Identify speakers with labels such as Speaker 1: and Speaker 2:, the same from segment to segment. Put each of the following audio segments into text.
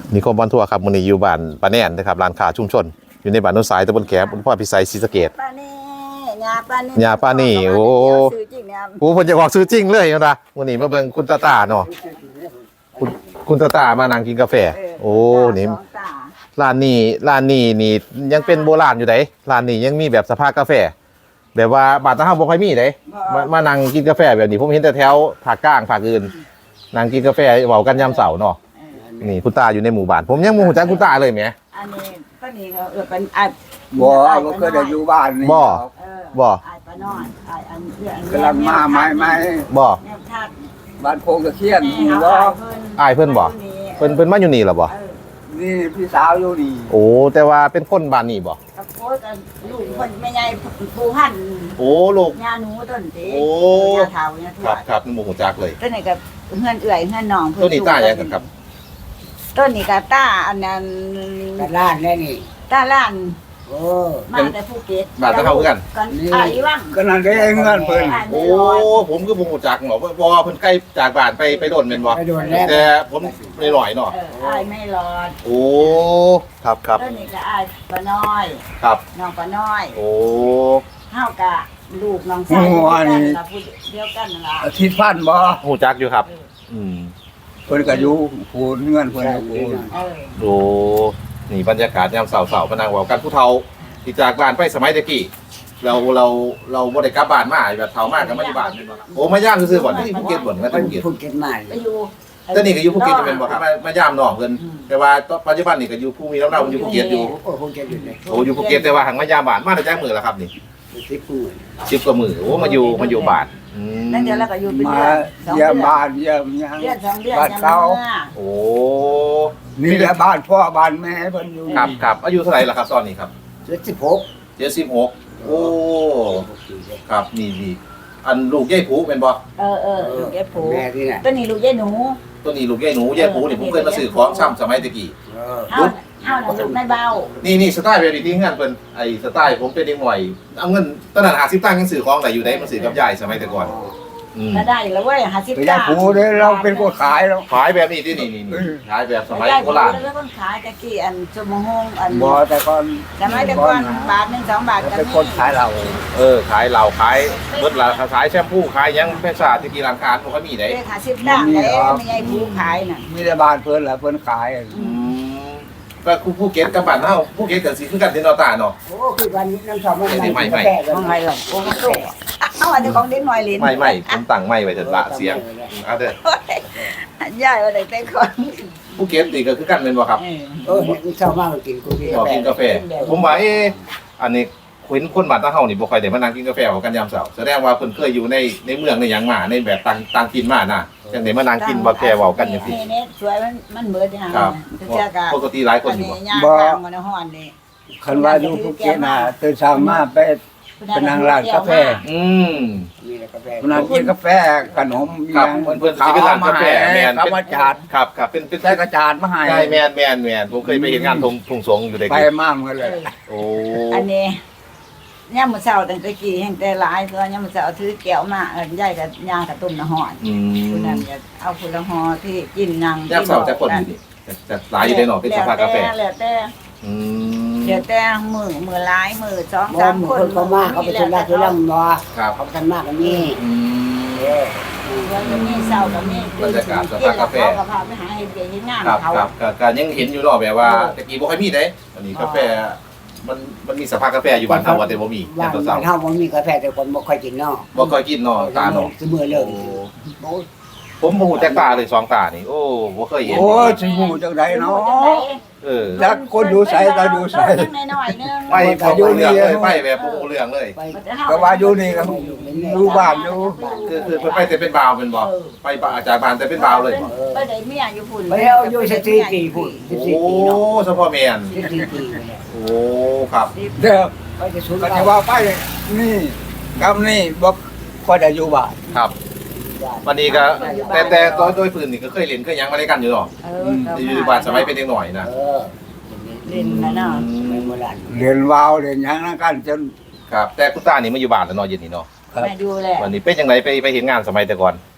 Speaker 1: นิคมบอลทัวร์ครับมื้อนี้อยู่บ้านปาแน่นนะครับร้านค้าชุมชนอยู่ในบ้านโนนสายตำบลแขมอำเภอพิสัยศรีสะเกษ
Speaker 2: ปานี่ยาปานี่
Speaker 1: ยาปานี่โอ้
Speaker 2: ซื้อจริงเนี่ย
Speaker 1: โหเพิ่นจะบอกซื้อจริงเลยนะมื้อนี้มาเบิ่งคุณตาตาเนาะคุณตาตามานั่งกินกาแฟโอ้นี่
Speaker 2: สองตา
Speaker 1: ร้านนี้นี่ยังเป็นโบราณอยู่เด้ร้านนี้ยังมีแบบสภากาแฟ แบบว่าบ้านตาเฮาบ่ค่อยมีเด้มานั่งกินกาแฟแบบนี้ผมเห็นแต่แถวภาคกลางภาคอื่นนั่งกินกาแฟเว้ากันยามเช้าเนาะนี่คุณตาอยู่ในหมู่บ้านผมยังบ่รู้จักคุณตาเลยแหม
Speaker 2: อันนี้ก็นี่ก็เป็นไอ้
Speaker 3: บ่บ่เคยได้อยู่บ้านนี่
Speaker 1: บ่ บ่
Speaker 2: ไอ้ปาน้อยไอ้อันเรื่อง
Speaker 3: กำลังมาใหม่
Speaker 1: บ่
Speaker 2: แนวทัด
Speaker 3: ๆบ้านโพงตะเคียน
Speaker 2: แม่
Speaker 3: นี่
Speaker 2: เขา
Speaker 3: บ่
Speaker 1: อ้ายเพิ่นบ่เพิ่นมาอยู่นี่เหรอบ่
Speaker 3: นี่พี่สาวอยู่นี่
Speaker 1: โอ้แต่ว่าเป็นคนบ้านนี้บ่
Speaker 2: กับโค้กันลูกคนไม่ใหญ่ปูพัน
Speaker 1: โอ้ลูก
Speaker 2: ยาหนูต้นเต๋
Speaker 1: โอ้
Speaker 2: ยาเทายาท
Speaker 1: คว รั
Speaker 2: ด
Speaker 1: บครับนี่บ่ฮู้จักเลย
Speaker 2: ต้นนี้กับเฮือนเอื่อยเฮือนหนอง
Speaker 1: ตัวนี้ตาหยังกันครับ
Speaker 2: ต้นนี้กับตาอันนั้น
Speaker 3: กระด้านแน่นี่
Speaker 2: ตาล้าน
Speaker 3: โอ้
Speaker 2: มาแต่ภูเก็ต
Speaker 1: บ้านตาเฮาคือกัน
Speaker 2: กันอีว่าง
Speaker 3: ก็นั่นได้เงินเพิ่น
Speaker 1: โอ้ผมคือบ่ฮู้จักเนาะบ่เพิ่นใกล้จากบ้านไปโดนแม่นบ่
Speaker 3: ไปโดนแล้ว
Speaker 1: แต่ผมไม่หน่อยเนาะ
Speaker 2: อายไม่รอด
Speaker 1: โอ้ครับครับ
Speaker 2: ต้นนี้ก็อายปาน้อย
Speaker 1: ครับ
Speaker 2: น้องปาน้อย
Speaker 1: โอ้
Speaker 2: เฮากะลูกน้องชายเดียวกันนั่นล่ะ
Speaker 3: อาทิตย์พันบ่
Speaker 1: ฮู้จักอยู่ครับ อืม
Speaker 3: เพิ่นก็อยู่พูนเงินเพิ่นก็พูน
Speaker 2: เออ
Speaker 1: โอ้นี่บรรยากาศยามเสาร์ๆมานั่งเว้ากันผู้เฒ่าที่จากบ้านไปสมัยตะกี้เราบ่ได้กลับบ้านมาแบบเฒ่ามากก็มาอยู่บ้านแม่นบ่โอ้มาย่ามซื่อๆบ่นี่ภูเก็ตบ่นะภูเก็ต
Speaker 3: พูดเก็ตมา
Speaker 2: ไปอยู่
Speaker 1: แต่นี่ก็อยู่ภูเก็ตเป็นบ่ครับมาย่ามน้องเพิ่นแต่ว่าปัจจุบันนี่ก็อยู่ภูมิลำเนาอยู่ภูเก็ตอยู่
Speaker 3: โอ้พูดเก็ตอยู่เลย
Speaker 1: โอ้อยู่ภูเก็ตแต่ว่าหังมายามบ้านมาได้จักมื้อแล้วครับนี่
Speaker 3: 10
Speaker 1: 10กว่ามื้อโอ้มาอยู่บ้านอืม
Speaker 2: นั่นเดี๋ยวเราก็อยู่เป็น
Speaker 3: มา
Speaker 2: เดือน
Speaker 3: เยี่ยมบ้านเยี่ยมหยัง
Speaker 2: เดือนสองเดือน
Speaker 3: บ้าน
Speaker 2: ยัง
Speaker 3: เก่า
Speaker 1: โอ้
Speaker 3: นี่แหละบ้านพ่อบ้านแม่เพิ่นอยู่
Speaker 1: ครับอายุเท่าไหร่ล่ะครับตอนนี้ครับ
Speaker 3: 76
Speaker 1: 76โอ้ครับนี่อันลูกยายผูเป็นบ่
Speaker 2: เออลูกยายผู
Speaker 3: แม่ที่น่ะ
Speaker 2: ต้นนี้ลูกยายหนู
Speaker 1: ตัวนี้ลูกยายหนูยายผูนี่ผมเคยมาซื้อของซ้ำสมัยตะกี้
Speaker 3: เออ
Speaker 2: เฮาน่ะลูกนายเบา
Speaker 1: นี่สไตล์แบบนี้ที่งานเพิ่นไอ้สไตล์ผมเป็นเด็กหน่อยเอาเงินตอนนั้น50ตังค์ยังซื้อของได้อยู่ได้มาซื้อกับยายสมัยแต่ก่อนอืม
Speaker 2: ก็ได้แล้วเว้ย50
Speaker 3: ไปยายผูเด้อเราเป็นคนขายแล้ว
Speaker 1: ขายแบบนี้ที่นี่ขายแบบสมัยโบราณ
Speaker 2: แล้วคนขายตะกี้อันชั่วโมงอัน
Speaker 3: บ่แต่ก่อน
Speaker 2: สมัยแต่ก่อนบาท1 2 บาทก็
Speaker 3: เป็น
Speaker 2: มี
Speaker 3: คนขายเรา
Speaker 1: ขายเหล้าขายเบิดละขายแชมพูขายหยังเพชรศาสตร์ที่กีร้านค้าบ่ค่อยมีได้
Speaker 2: เลข50ดังเลยไม่ใช่ผูขายน่ะ
Speaker 3: มีแต่บ้านเพิ่นแหละเพิ่นขาย
Speaker 1: ก็ภูเก็ตกับบ้านเฮาภูเก็ตก็สิคือกันที่นอตาเนาะ
Speaker 3: โอ้คือวันนี้น้ำสองมัน
Speaker 1: ไม่
Speaker 2: ของไงหรอกโอ้โหเอาอันนี้ของเด็กน้อยเล่น
Speaker 1: ไม่ผมตั้งไม่ไว้เถิดละเสียงเอาเด้อย
Speaker 2: ายว่าได้แต่คน
Speaker 1: ภูเก็ตนี่ก็คือกันเป็นบ่ครับ
Speaker 3: เออน้ำสองมากกินกูกิน
Speaker 1: บอกกินกาแฟ ผมว่าอันนี้คนบ้านตาเฮานี่บ่ค่อยได้มานั่งกินกาแฟกันยามเช้าแสดงว่าเพิ่นเคยอยู่ในเมืองในหยังมาในแบบต่างกินมาน่ะจังได้มานั่งกินกาแฟเว้ากันจังซี่
Speaker 2: นี่สวยมันเบิดอย่าง
Speaker 1: ครับ
Speaker 2: เจ้าก็
Speaker 1: ปกติหลายคนอยู่บ่
Speaker 2: ย่างกลางมันฮ้อนนี่
Speaker 3: คันว่าอยู่ภูเก็ตน่ะตื่นเช้ามาไปนั่งร้านกาแฟ
Speaker 1: อืม
Speaker 3: นั่งกินกาแฟขนม
Speaker 1: ครับเพิ่นสิเป็นร้านกาแฟแม่น
Speaker 3: เขามาจัด
Speaker 1: ครับเป็น
Speaker 3: ใส่กระจาดมาให้
Speaker 1: ใช่แม่นผมเคยไปเห็นงานทุ่งสงอยู่ได้
Speaker 3: ไปมากเลย
Speaker 1: โอ้
Speaker 2: อันนี้ย่ามมื้อเช้าตั้งแต่กี้แห่งแต่หลายตัวยามมื้อเช้าถือแก้วมาเอิ้นยายก็ย่างกับต้มน้ำฮ้อน
Speaker 1: อื
Speaker 2: ผู้
Speaker 1: ม
Speaker 2: นั้นก็เอาผลหอที่กินนั่ง
Speaker 1: ยามเช้าจะคนอยู่นี่จะหลายอยู่ได้เนาะเป็นสภากาแฟ
Speaker 2: แล้วแต่
Speaker 1: อืม
Speaker 2: เดี๋ยวแต่มือหลายมือ2 3คน
Speaker 3: เขามาเขาไปทำได้ที่ลำบ่
Speaker 1: ครับ
Speaker 3: เขาทำมากกันนี่
Speaker 1: อืม
Speaker 2: วันนี้เช้าก็มี
Speaker 1: บรรยากาศสภากาแฟ
Speaker 2: เขาก็พาไปหาเฮ็ดเวียกเฮ็ดงาน
Speaker 1: ครับ
Speaker 2: เขา
Speaker 1: ครับก็ยังเห็นอยู่เนาะแบบว่าตะกี้บ่ค่อยมีเด้อันนี้กาแฟมันมีสภากาแฟอยู่บ้านเฮาว่าแต่บ่มี
Speaker 3: บ้า
Speaker 1: แต่
Speaker 3: น
Speaker 1: เช้า
Speaker 3: เฮาบ่มีกาแฟแต่คนบ่ค่อยกินเนาะ
Speaker 1: บ่ค่อยกินเนาะตาเนาะ
Speaker 3: สมือเลิก
Speaker 1: ผมบ่ฮู้จักตาเลยสองตานี่โอ้บ่เคยเห็น
Speaker 3: โอ้ยสิฮู้จังไดเนาะ จักคนดูใส่ก็ดูใส่
Speaker 2: น้อยๆนึง
Speaker 1: ไปบ่รู้เรื่องเลยไปแบบบ่รู้เรื่องเลย
Speaker 3: ก็ว่าอยู่นี่ก็อยู่บ้านอยู่
Speaker 1: คือเพิ่นไปแต่เป็นบ่าวเป็นบ่ไปอาจารย์บ้านแต่เป็นบ่าวเลยบ่
Speaker 2: ไปได้เมียอยู่พุ่น
Speaker 3: ไปเอาอยู่14ปีพุ่น
Speaker 1: โอ้
Speaker 3: 14ปีเนาะ
Speaker 1: เฉพาะแม่น
Speaker 3: 14ปี
Speaker 1: โอ้ครับ
Speaker 3: เด้อไปจะสุดก็จะว่าไปนี่กับนี่บ่ค่อยได้อยู่บ้าน
Speaker 1: ครับวันนี้ก็แต่โดยพื้นนี่ก็เคยเล่นเคยหยังมาด้วยกันอยู่เนาะ อยู่บ้านสมัยเป็นเด็กหน่อยนะ
Speaker 2: เล่นนะเนาะ
Speaker 3: เรียนวาวเรียนหยังนั่นกันจน
Speaker 1: ครับแต่คุณตานี่มาอยู่บ้านแล้วเนาะเย็นนี่เนาะ
Speaker 2: แม่ดูแล
Speaker 1: วันนี้เป็นจังไดไปเห็นงานสมัยแต่ก่อน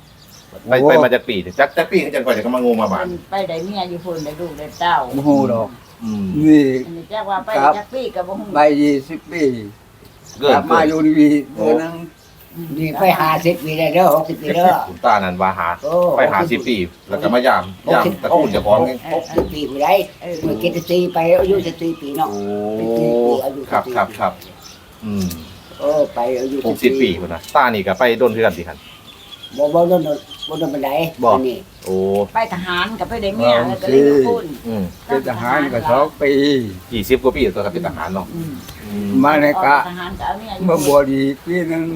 Speaker 1: ไปมาจากปีจักปีจังก่อนจะมางูมาบ้าน
Speaker 2: ไปได้เมียอยู่พุ่นได้ลูกได้เต้า
Speaker 3: บ่ฮู้ดอก
Speaker 1: อืม
Speaker 3: นี่
Speaker 2: อันนี้จักว่าไปจักปีก็บ่ฮู้
Speaker 3: ใบ20 ปี
Speaker 1: เกิ
Speaker 3: ก
Speaker 1: น
Speaker 3: ลับมาอยู่นี่เดือนนึง
Speaker 4: นี่ไป50 ปีได้เด้อ60 ปีเด้อ
Speaker 1: คุณตานั่นว่าหา
Speaker 4: โอ้
Speaker 1: ไปหา10 ปีแล้วก็มายามตระกูลเจ้าของไง
Speaker 4: 60 ปีผู้ใดเมื่อกี้จะไปอายุ14 ปีเนาะ
Speaker 1: โอ้ครับอืม
Speaker 4: ไปอายุ
Speaker 1: 60 ปีพุ่นนะตานี่ก็ไปโดนคือกันสิคัน
Speaker 4: บ่โดนบันไดนี่
Speaker 1: โอ้
Speaker 2: ไปทหารก็ไปได้เมียแล้วก็เลยมาพุ่น
Speaker 1: อืม
Speaker 3: เป็นทหารก็2 ปี
Speaker 1: 20 กว่าปีตัวก็เป็นทหารเนาะ
Speaker 2: อืม
Speaker 1: อืม
Speaker 3: มาในกะ
Speaker 2: ทหารก็เอาเมียอยู่
Speaker 3: เมื่อบวชอีกปีหนึง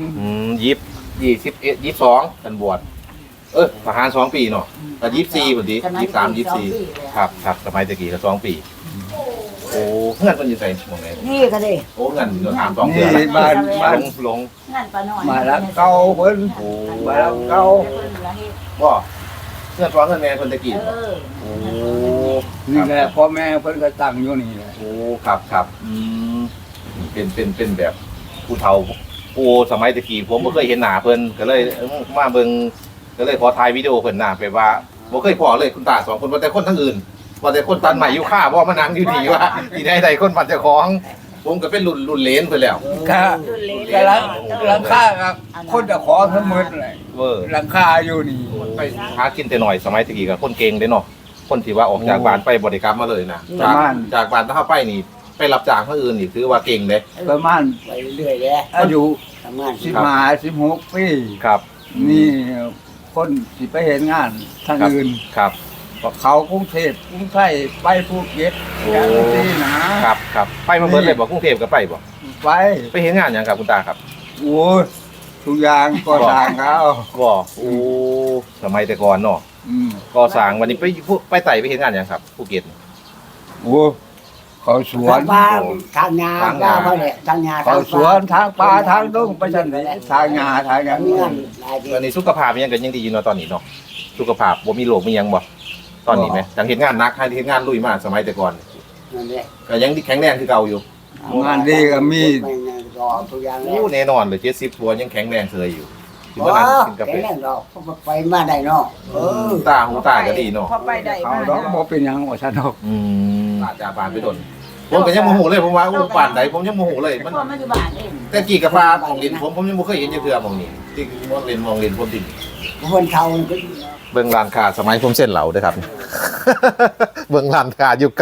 Speaker 1: 21 22กันบวชทหาร2 ปีเนาะแต่24พุ่นดิ23 24ครับสมัยตะกี้ก็2 ปีโอ้เงินเพิ่นอยู่ไสหม่องไหน
Speaker 2: นี่ก็ดิ
Speaker 1: โอ้เงินอยู่ถาม2เดือน
Speaker 3: นี่บ้าน
Speaker 1: ลง
Speaker 2: งานป้าน้อย
Speaker 3: มาแล้วเก่าเพิ่น
Speaker 1: โอ้
Speaker 3: มาแล้วเก่า
Speaker 1: บ่เงินฟ้องเงินแม่เพิ่นตะกี้
Speaker 2: เออ
Speaker 1: โอ้
Speaker 3: นี่แหละพ่อแม่เพิ่นก็ตั้งอยู่นี่แหละ
Speaker 1: โอ้ครับเป็นแบบผู้เฒ่าโอ้สมัยตะกี้ผมบ่เคยเห็นหน้าเพิ่นก็เลยมาเบิ่งก็เลยขอถ่ายวิดีโอเพิ่นหน้าไปว่าบ่เคยพอเลยคุณตา2คนว่าแต่คนทั้งอื่นว่าแต่คนตันใหม่อยู่ค่าบ่มานั่งอยู่นี่ว่าที่ใดๆคนบ้านเจ้าของผมก็เป็นรุ่นเหลนเพิ่นแล้ว
Speaker 3: ก็หลังคาครับคนจะขอเสมอเลย
Speaker 1: เวอร์
Speaker 3: หลังคาอยู่นี่
Speaker 1: ไปหากินแต่หน่อยสมัยตะกี้ก็คนเก่งเด้เนาะคนที่ว่าออกจากบ้านไปบ่ได้กลับมาเลยนะจากบ้านถ้าไปนี่ไปรับจ้างคนอื่นนี่ถือว่าเก่งเด้
Speaker 3: ประมาณ
Speaker 4: ไปเรื่อยเลย
Speaker 3: อายุ
Speaker 4: ทำงาน
Speaker 3: 16 ปี
Speaker 1: ครับ
Speaker 3: นี่คนสิไปเห็นงานทางอื่น
Speaker 1: ครับ
Speaker 3: เขากรุงเทพกรุงไทยไปภูเก็ต
Speaker 1: โอ้
Speaker 3: อย่างนี้นะครับ
Speaker 1: ไปมาเบิดเลยบ่กรุงเทพก็ไปบ่
Speaker 3: ไป
Speaker 1: ไปเห็นงานหยังครับคุณตาครับ
Speaker 3: โอ้ยทุกอย่างก็ต่างเขา
Speaker 1: บ่โอ้สมัยแต่ก่อนเนาะ
Speaker 3: อืม
Speaker 1: ก่อสร้างวันนี้ไปไต่ไปเห็นงานหยังครับภูเก็ต
Speaker 3: โอ้เขาสวน
Speaker 4: บ้านทางนาบ้านเขาเนี่ยทางนา
Speaker 3: เขาสวนทางป่าทางดงไปชั้นไหนทางงาทางอย่าง
Speaker 4: มี
Speaker 3: นี้
Speaker 4: เงินหลาย
Speaker 1: ตอนนี้สุขภาพยังก็ยังดีอยู่เนาะตอนนี้เนาะสุขภาพบ่มีโรคมีหยังบ่ตอนนี้ไหมจังเห็นงานหนักให้เห็นงานลุยมากสมัยแต่ก่อน
Speaker 4: นั่นแหละ
Speaker 1: ก็ยังแข็งแรงคือเก่าอยู่
Speaker 3: งานดีก็มี
Speaker 4: ทุกอย่าง
Speaker 1: โอ้แน่นอนเลย70ตัวยังแข็งแรงเสยอยู่ที่
Speaker 4: ว้า
Speaker 1: ว่านั่งกินกาแฟ
Speaker 4: แข็งแรงดอกไปมาได้เนาะ
Speaker 1: หูตาก็ดีเนาะ
Speaker 2: พอไปได้
Speaker 3: เขา
Speaker 2: มา
Speaker 3: ดอกบ่เป็นหยังว่าฉันดอก
Speaker 1: อาจจะบานไปโดนผมก็ยังโมโหเลยผมว่าอู้ป่านไหนผมยังโมโหเลยมัน
Speaker 2: พอมาอยู่บ้านเอง
Speaker 1: แต่กี่กระพาของลินผมยังไม่เคยเห็นเทือมองนี่ที่มองลินผมดิ
Speaker 4: คนเฒ่าก็
Speaker 1: เบิ่งร้านค้าสมัยผมเส้นเหลาด้วยครับ เบิ่งร้านค้ายุค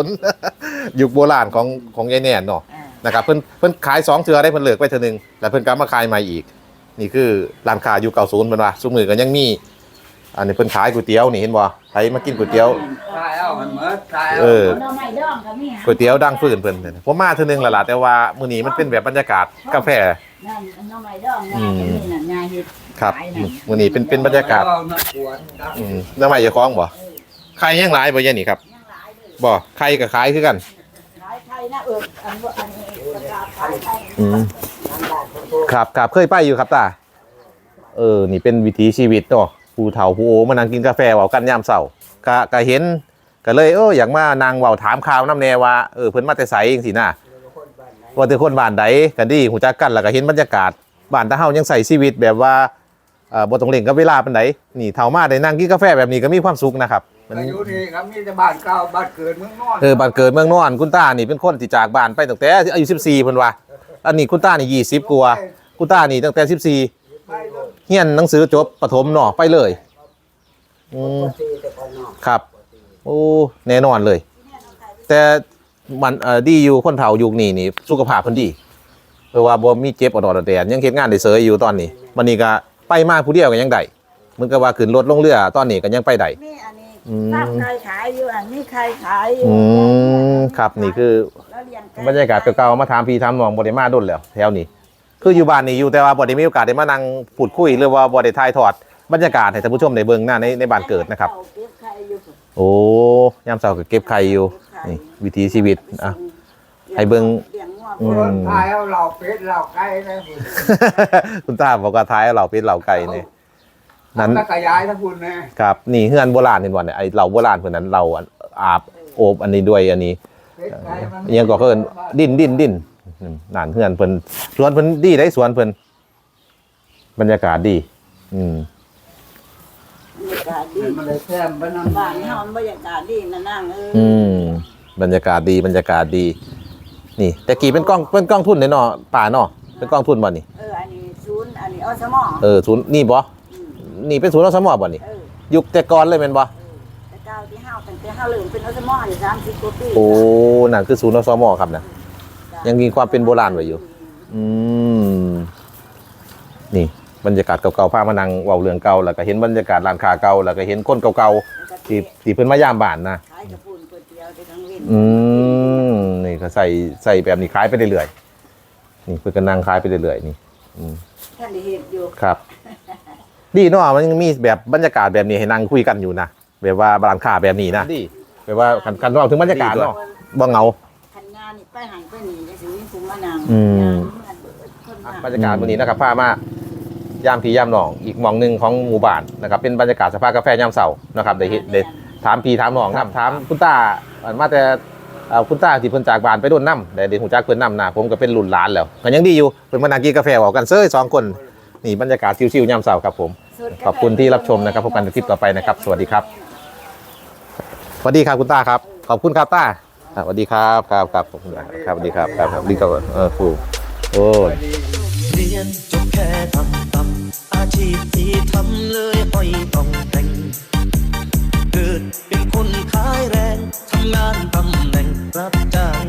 Speaker 1: 90ยุคโบราณของยายแน่นเนาะนะครับเพิ่นขาย2เทื่อได้เพิ่นเลิกไปเทื่อนึงแล้วเพิ่นกลับมาขายใหม่อีก นี่คือร้านค้ายุค90เพิ่นว่าซุมื้อก็ยังมีอันนี้เพิ่นขายก๋วยเตี๋ยวนี่เห็นบ่ใครมากินก๋วยเตี๋ยว
Speaker 3: ตายเอามันเหมือนตาย
Speaker 1: เอ
Speaker 3: เอา
Speaker 1: อ
Speaker 2: น้องไม่ดองก็มี
Speaker 1: ก๋วยเตี๋ยวดังฟื้นเพิ่นเนี่ยผมมาเทื่อนึงแล้วล่ะแต่ว่ามื้อนี้มันเป็นแบบบรรยากาศกาแฟ
Speaker 2: นั่นน้องไม่ดองงานก็มีนั่นงานเฮ็ด
Speaker 1: ครับ
Speaker 2: ขายนั่น
Speaker 1: มื้อนี้เป็นบรรยากาศ
Speaker 3: เอน้ำปวดดับ
Speaker 1: น้ำใหม่จะคล้องบ่ใครยังหลายบ่ยายนี่ครับ
Speaker 2: ยังหลายเลย
Speaker 1: บ่ใครกับขายคือกัน
Speaker 2: ขายไทยนะอันนี้ประกาศขายไทย
Speaker 1: ครับเคยไปอยู่ครับตานี่เป็นวิถีชีวิตเนาะผู้เฒ่าผู้โอมานั่งกินกาแฟเว้ากันยามเช้าก็เห็นก็เลยอยากมานั่งเว้าถามข่าวนำแน่ว่าเพิ่นมาแต่ไสจังซี่นะว่าแต่คนบ้านใดกันดีฮู้จักกันแล้วก็เห็นบรรยากาศบ้านตาเฮายังใส่ชีวิตแบบว่าบ่ต้องเร่งกับเวลาปานใดนี่เฒ่ามาได้นั่งกินกาแฟแบบนี้ก็มีความสุขนะครับ
Speaker 3: อายุนี่ครับมีแต่บ้านเก่าบ้านเกิดเมืองนอน
Speaker 1: บ้านเกิดเมืองนอนคุณตานี่เป็นคนที่จากบ้านไปตั้งแต่อายุ14เพิ่นว่าอันนี้คุณตานี่20กว่าคุณตานี่ตั้งแต่14
Speaker 3: ไปเลย
Speaker 1: เฮียนหนังสือจบประถมเนาะไปเลยครับ โอ้แน่นอนเลย แต่มันดีอยู่คนเฒ่ายุคนี้นี่สุขภาพเพิ่นดีเพราะว่าบ่มีเจ็บอดอดแดดยังเฮ็ดงานได้เสยอยู่ตอนนี้วันนี้ก็ไปมาผู้เดียวก็ยังได้เหมือนกับว่าขึ้นรถลงเรือตอนนี้ก็ยังไปได้
Speaker 2: มีอันนี้ตั้งใครขายอยู่อันนี้ใครขายอยู่
Speaker 1: ครับนี่คือ
Speaker 2: แล้วเลี้ยงไก่
Speaker 1: บรรยากาศเก่าๆมาถามพี่ถามน้องบ่ได้มาดนแล้วแถวนี้คืออยู่บ้านนี่อยู่แต่ว่าบ่ได้มีโอกาสได้มานั่งพูดคุยหรือว่าบ่ได้ถ่ายทอดบรรยากาศให้ท่านผู้ชมได้เบิ่งหน้าในบ้านเกิดนะครับ
Speaker 2: เก็บไข่อยู่
Speaker 1: โอ้ยามเช้าก็เก็บไข่อยู่นี่วิถีชีวิตอ่ะ ให้เบิ่ง
Speaker 2: เลี้ยงงัว
Speaker 1: อื
Speaker 3: คนตายเอาเหล่าเป็ดเหล่าไก่นะ
Speaker 1: คุณตาบอกว่าท้ายเอาเหล่าเป็ดเหล่าไก่นี่นั้น
Speaker 3: แล้วก็ย้ายทั้งคุณนะครับ
Speaker 1: นี่เฮือนโบราณนี่บ่เนี่ยไอ้เหล่าโบราณเพิ่นนั้นเราอาบโอบอันนี้ด้วยอันนี้
Speaker 3: เป็ดไก่มัน
Speaker 1: อิหยังก็เพิ่นดิ้นนั่นเฮือนเพิ่นสวนเพิ่นดีได้สวนเพิ่นบรรยากาศดี
Speaker 2: บรรยากาศดี
Speaker 3: มันเลยแซมบ้าน
Speaker 2: บ้านเฮาบรรยากาศดีนะนั่ง
Speaker 1: บรรยากาศดีบรรยากาศดี นี่แต่กี่เป็นกล้องทุนเนาะป่าเนาะเป็นกล้องทุนบ่นี่
Speaker 2: อันนี้ศูนย์อันนี้อสม
Speaker 1: ศูนย์นี่บ่นี่เป็นศูนย์อสมบ่นี่ยุคแต่ก่อนเลยแม่นบ่
Speaker 2: แต่เก้าที่เฮาตั้งแต่เฮาเริ่มเป็นอสมอยู่30กว่าปี
Speaker 1: โอ้นั่นคือศูนย์อสมครับนะยังมีความเป็นโบราณไว้อยู่นี่บรรยากาศเก่าๆพามานั่งเว้าเรื่องเก่าแล้วก็เห็นบรรยากาศร้านค้าเก่าแล้วก็เห็นคนเก่าๆที่เพิ่นมายามบ้านนะ
Speaker 2: ขายกระปุนก๋วยเตี๋ยวได้ทั้งวิน
Speaker 1: นี่ก็ใส่แบบนี้ขายไปเรื่อยๆนี่เพิ่นก็นั่งขายไปเรื่อยๆนี่
Speaker 2: ท่านได้เฮ็ดอยู่
Speaker 1: ครับ ดีเนาะมันยังมีแบบบรรยากาศแบบนี้ให้นั่งคุยกันอยู่นะแบบว่าร้านค้าแบบนี้นะดีแบบว่าคันเราถึงบรรยากาศเนาะบ่เหงา
Speaker 2: คันงานนี่ไปหันไปนี่จังสิมีผู้มานั่ง
Speaker 1: บรรยากาศวันนี้นะครับพามายามพี่ยามน้องอีกหม่องหนึงของหมู่บ้านนะครับเป็นบรรยากาศสภากาแฟยามเช้านะครับได้ถามพี่ถามน้องนำถามคุณตามาแต่คุณตาที่เพิ่นจากบ้านไปโดนน้ำได้ฮู้จักเพิ่นน้ำนะผมก็เป็นรุ่นหลานแล้วก็ยังดีอยู่เพิ่นมานั่งกินกาแฟเว้ากันเซ้ย2คนนี่บรรยากาศชิวๆยามเช้าครับผมขอบคุณที่รับชมนะครับพบกันในคลิปต่อไปนะครับสวัสดีครับสวัสดีครับคุณตาครับขอบคุณครับตาสวัสดีครับครับขอบคุณครับสวัสดีครับครับดีครับครูโอ้ย
Speaker 5: เรียนจบแค่อาชีพที่ทำเลยห้อยต้องแต่งเกิดเป็นคนขายแรงทำงานตำแหน่งรับจ้าง